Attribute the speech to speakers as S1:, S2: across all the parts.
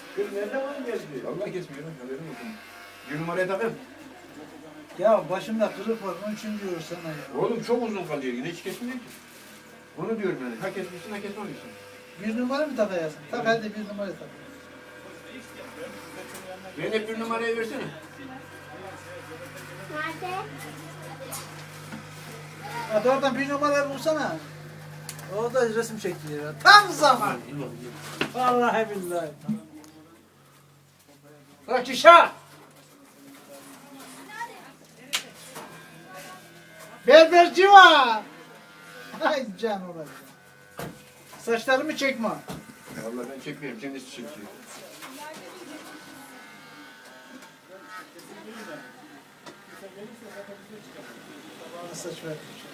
S1: Kız nerede var gezdi?
S2: Vallahi kesmiyorum. Haberim yok. Bir numaraya takayım.
S3: Ya başımda kırık var, onun için diyor sana ya.
S2: Oğlum çok uzun kalıyor yine hiç kesmiyor ki. Onu diyorum yani. Ha kesmişsin ha kesmemişsin.
S3: Bir numara mı takayasın? Tak hadi bir numara tak.
S2: Ben hep bir numarayı versene.
S4: Nerede?
S3: Hadi oradan bir numarayı bulsana. Orada resim çekiyor. Tam zaman. Vallahi billahi. Bırak işe. Berberci var. Ay can olacak. Saçlarımı çekme.
S2: Allah ben çekmiyorum. Kendisi çekiyor.
S3: Bana saç ver.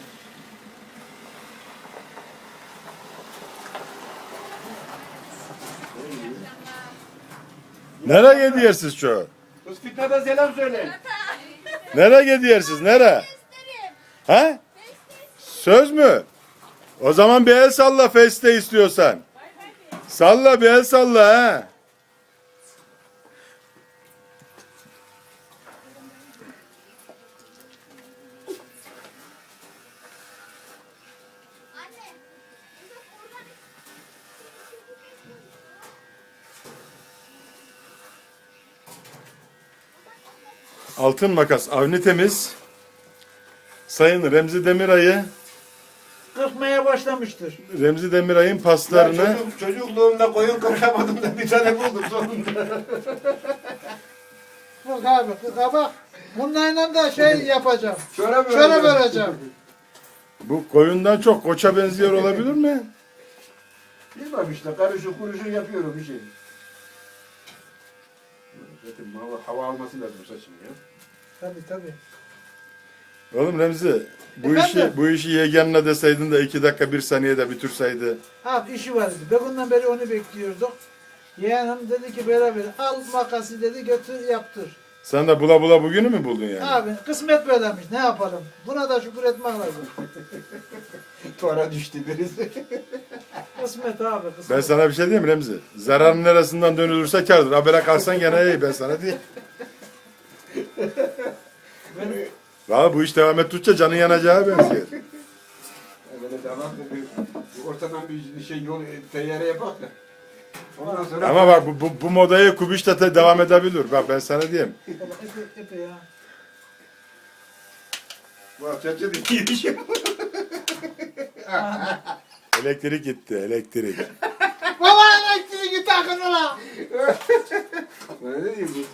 S5: Nereye gidiyorsunuz çoğu?
S2: Kız Fitnat'a selam söyle.
S5: Nereye gidiyorsunuz? Nereye? Ha? Söz mü? O zaman bir el salla feste istiyorsan. Salla bir el salla ha. Altın Makas Avni Temiz Sayın Remzi Demiray'ı
S3: Kırpmaya başlamıştır.
S5: Remzi Demiray'ın paslarını
S2: Çocukluğumda koyun kırkamadım da bir tane buldum sonunda.
S3: Bak abi, bak. Bunlarla da şey yapacağım.
S2: Şöyle
S3: Şöyle vereceğim.
S5: bu koyundan çok koça benziyor olabilir mi?
S2: Bilmem işte karışık kuruşuk yapıyorum bir şey. Zaten hava alması lazım saçım ya.
S3: Tabii.
S5: Oğlum Remzi bu
S3: Efendim?
S5: işi yeğenine deseydin de 2 dakika 1 saniyede bitirseydi.
S3: Abi işi vardı. Begundan beri onu bekliyorduk. Yeğenim dedi ki beraber al makası dedi götür yaptır.
S5: Sen de bula bula bugünü mü buldun yani?
S3: Abi kısmet böylemiş ne yapalım. Buna da şükür etmek lazım.
S2: Tora düştü birisi.
S3: Kısmet abi kısmet.
S5: Ben sana bir şey diyeyim mi Remzi? Zararın neresinden dönülürse kârdır. Habere kalsan gene iyi ben sana diyeyim. Valla bu iş devam ettikçe canın yanacağı benziyor.
S2: Böyle devam bir ortadan bir şey yol teyyare yapak da. Ondan sonra
S5: Ama bak bu modayı Kubiş de devam edebilir. Bak ben sana diyeyim.
S3: Epe ya.
S2: bu açıkça da iyi bir şey.
S5: Elektrik gitti elektrik.
S3: Baba elektriği takın ulan.
S2: Ne diyeyim bu?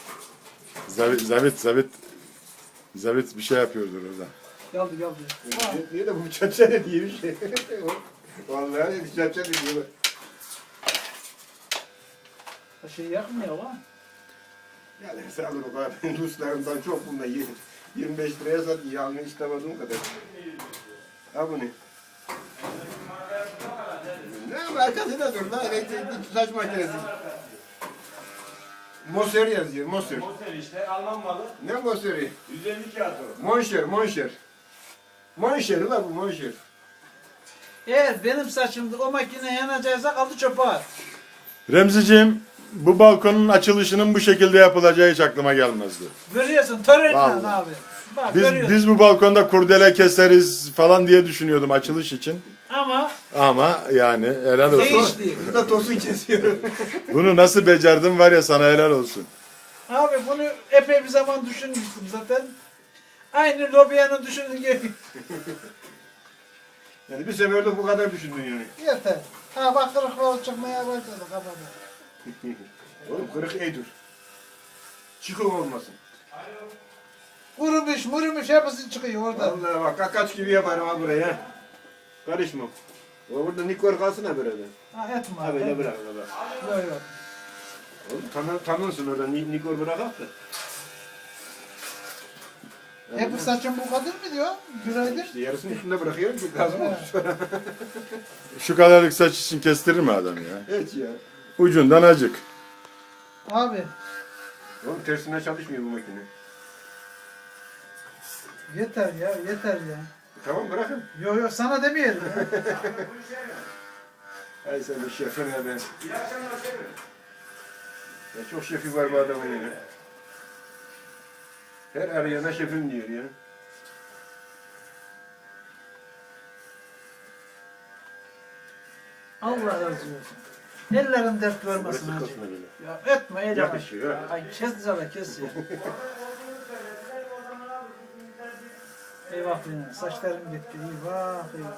S5: Zabit bir şey yapıyordur orada.
S3: Geldi.
S2: Niye de bu çaça ne diye bir şey. Vallahi ne çaça ne diyorlar.
S3: Şey yakmıyor lan.
S2: Yani sen alır o kadar Ruslarından çok bunda 25 liraya sat yağını istemediğim kadar. Ha bu ne? Ne arkasında dur lan elektrikli saç makinesi. Moser yazıyor Moser.
S1: Moser işte Alman malı.
S2: Ne Moser'i?
S1: 150 kağıt o.
S2: Monşer. Monşer ulan bu Monşer.
S3: Eğer benim saçımda o makine yanacaksa kaldı çöpe at.
S5: Remziciğim bu balkonun açılışının bu şekilde yapılacağı hiç aklıma gelmezdi.
S3: Görüyorsun törenle
S5: Vallahi.
S3: abi. Bak görüyorsun.
S5: Biz bu balkonda kurdele keseriz falan diye düşünüyordum açılış için.
S3: Ama
S5: Yani helal olsun.
S3: değişti.
S2: Burada tosun kesiyor.
S5: Bunu nasıl becerdin var ya sana helal olsun.
S3: Abi bunu epey bir zaman düşünmüştüm zaten. Aynı lobiyanın düşündüğü gibi.
S2: Yani bir seferde bu kadar düşündün yani.
S3: Yeter. Ha bak kırıklar çıkmaya başladı kafada.
S2: Oğlum kırık iyidir. Çıkık olmasın.
S3: Kurumuş hepsi çıkıyor orada.
S2: Vallahi bak kaç gibi yaparım ha buraya. Karışmam. O burada nikor kalsın ha böyle.
S3: Ha etme
S2: Ha
S3: abi.
S2: böyle bırak öyle bak.
S3: Yok.
S2: Oğlum tanınsın orada nikor bırakak da.
S3: Hep saçın bu kadar mı diyor? Bir aydır.
S2: İşte yarısını üstünde bırakıyorum ki lazım olur sonra.
S5: Şu kadarlık saç için kestirir mi adam ya?
S2: Evet ya.
S5: Ucundan acık.
S3: Abi
S2: Oğlum tersine çalışmıyor bu makine.
S3: yeter ya.
S2: Tamam bırakın.
S3: Yok sana demeyelim.
S2: Ay sen de şefine ben.
S1: İyi akşamlar şefim.
S2: Ya çok şefi var bu adamın ya. Her arayana şefim diyor ya.
S3: Allah razı olsun. Ellerin dert vermesin
S2: Burası
S3: hacı.
S2: kısmı bile.
S3: Ya etme el yavaş.
S2: Yakışıyor.
S3: Ay kes zala kes ya. Eyvah benim saçlarım gitti. Eyvah eyvah.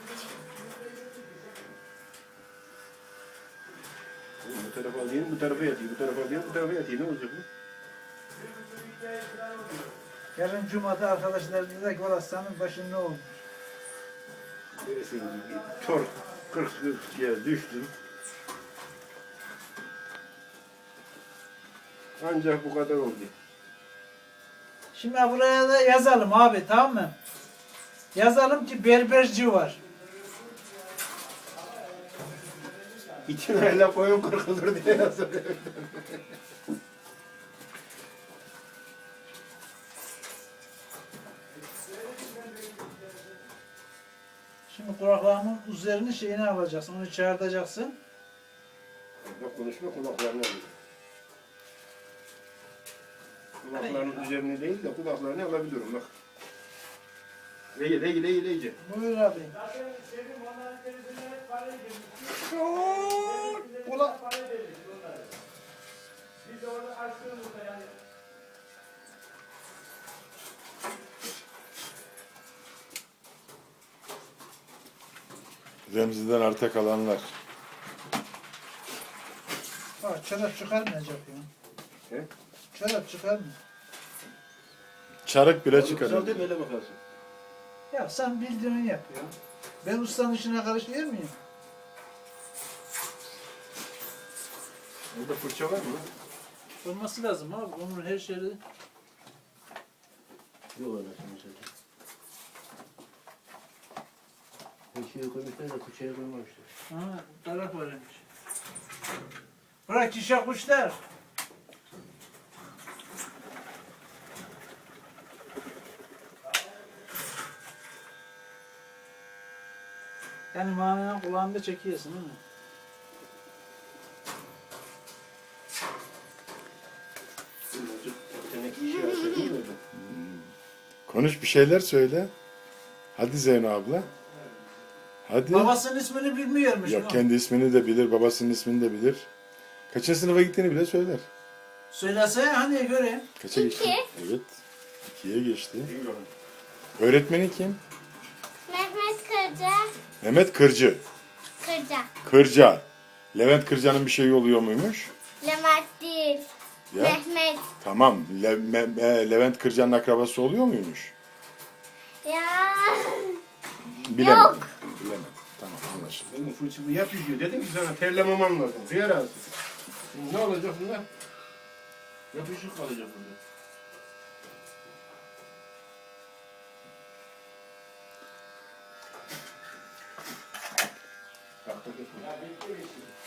S2: Bu tarafa alayım, bu tarafa yatayım, bu tarafa alayım, bu tarafa yatayım. Ne olacak bu?
S3: Yarın Cuma'da arkadaşlar dedi ki valla senin başın ne olmuş?
S2: Neresin? Tor 40 ya düştüm. Ancak bu kadar oldu.
S3: Şimdi buraya da yazalım abi tamam mı? Yazalım ki berberci var.
S2: İtinayla koyun kırkılır diye yazıyor.
S3: Şimdi kulaklarımın üzerine şeyini alacaksın, onu çağırtacaksın.
S2: Bak konuşma kulaklarını alıyor. Kulaklarının üzerine değil de kulaklarını alabiliyorum bak. İyice.
S3: Buyur abi. Ula.
S5: Remzi'den arta kalanlar.
S3: Bak çorap çıkarmayacak ya.
S2: He?
S3: Çorap çıkarmıyor.
S5: Çarık bile çıkarır.
S2: Güzel değil mi? Öyle bakarsın.
S3: Ya sen bildiğini yap ya. Ben ustanın işine karışıyor muyum?
S2: Burada fırça var mı?
S3: Olması lazım abi. Onun her şeyi.
S2: Yok öyle şimdi. Her şeyi koymuşlar da fırçayı koymamışlar.
S3: Ha, taraf varmış. Bırak işe kuşlar. Yani manenin kulağında çekiyorsun değil mi?
S2: Demek ki işe yarasa değil mi?
S5: Konuş bir şeyler söyle. Hadi Zeyno abla. Hadi.
S3: Babasının ismini bilmiyormuş.
S5: Yok
S3: ama.
S5: kendi ismini de bilir, babasının ismini de bilir. Kaçıncı sınıfa gittiğini bile söyler.
S3: Söylesene hani göreyim.
S5: Kaça geçti? Evet. 2'ye geçti.
S2: İyi bakalım.
S5: Öğretmeni kim?
S4: Mehmet Kırca.
S5: Mehmet Kırcı.
S4: Kırca.
S5: Kırca. Levent Kırca'nın bir şeyi oluyor muymuş?
S4: Levent değil.
S5: Ya.
S4: Mehmet.
S5: Tamam. Levent Kırca'nın akrabası oluyor muymuş?
S4: Ya.
S5: Bilemem.
S4: Yok.
S5: Bilemem. Tamam anlaşıldı.
S2: Benim fırçamı yapıyor. Dedim ki sana terlememem lazım. Suya razı. Şimdi ne olacak bunlar? Yapışık kalacak burada. Tahta kesme.